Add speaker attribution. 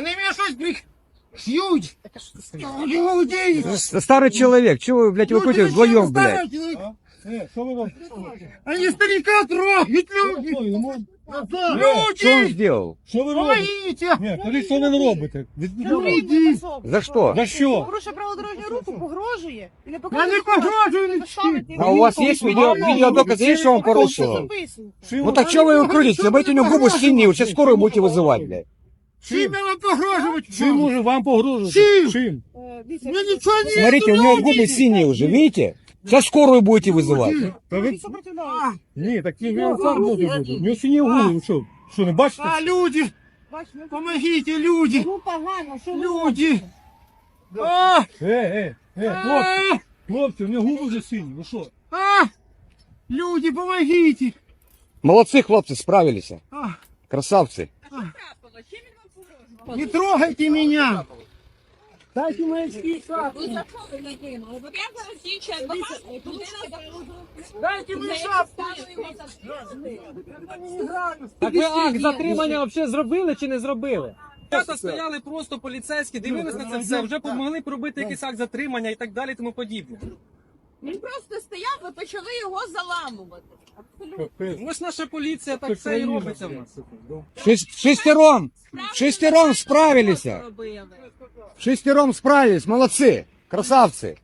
Speaker 1: Вони мене щось шьють. Люди.
Speaker 2: Старый человек, чего вы, блядь, выходите вдвоем, блядь?
Speaker 3: Що ви робите?
Speaker 1: Они старика трогают, люди.
Speaker 2: Что он
Speaker 1: Люди.
Speaker 2: сделал?
Speaker 3: Що ви робите?
Speaker 1: Помогите.
Speaker 3: Ні, кажіть, що ви не робите?
Speaker 1: Люди.
Speaker 2: За что?
Speaker 3: За що?
Speaker 4: Порушує правила дорожнього руху, погрожує. І не
Speaker 1: Я не погрожую нічим.
Speaker 2: А у вас есть видеодоказы, есть, что он порушил? Ну так чего вы его крутите? Забейте у него губы синие, вы сейчас скорую будете вызывать, блядь.
Speaker 1: Чим я вам погрожувати?
Speaker 3: Чим може вам погрожувати?
Speaker 1: Чим?
Speaker 3: Чим?
Speaker 1: Я нічого не
Speaker 2: Смотрите, у него губы синие уже, видите? Сейчас скорую будете вызывать.
Speaker 3: Та ви... Ні, так він сам може бути. У нього сині губи, ви що? Що, не бачите?
Speaker 1: А, люди. Помогите, люди.
Speaker 4: Ну погано, що ви
Speaker 1: Люди. А,
Speaker 3: Хлопці, хлопці, у нього губи вже сині, ви що?
Speaker 1: а. Люди, помогите.
Speaker 2: Молодцы, хлопцы, справились.
Speaker 1: А,
Speaker 2: Красавцы.
Speaker 1: не трогайте меня. Дайте мои очки. Дайте мне шапку.
Speaker 5: Так ви акт затримання взагалі зробили чи не зробили? Ребята стояли просто поліцейські, дивились на це все, вже помогли пробити якийсь акт затримання і так далі, тому подібне.
Speaker 6: Він просто стояв, ви почали його заламувати. Абсолютно.
Speaker 5: Ось наша поліція так все і робиться в нас.
Speaker 2: Шестером справились.
Speaker 6: Робили.
Speaker 2: Шестером справились, молодцы, красавцы.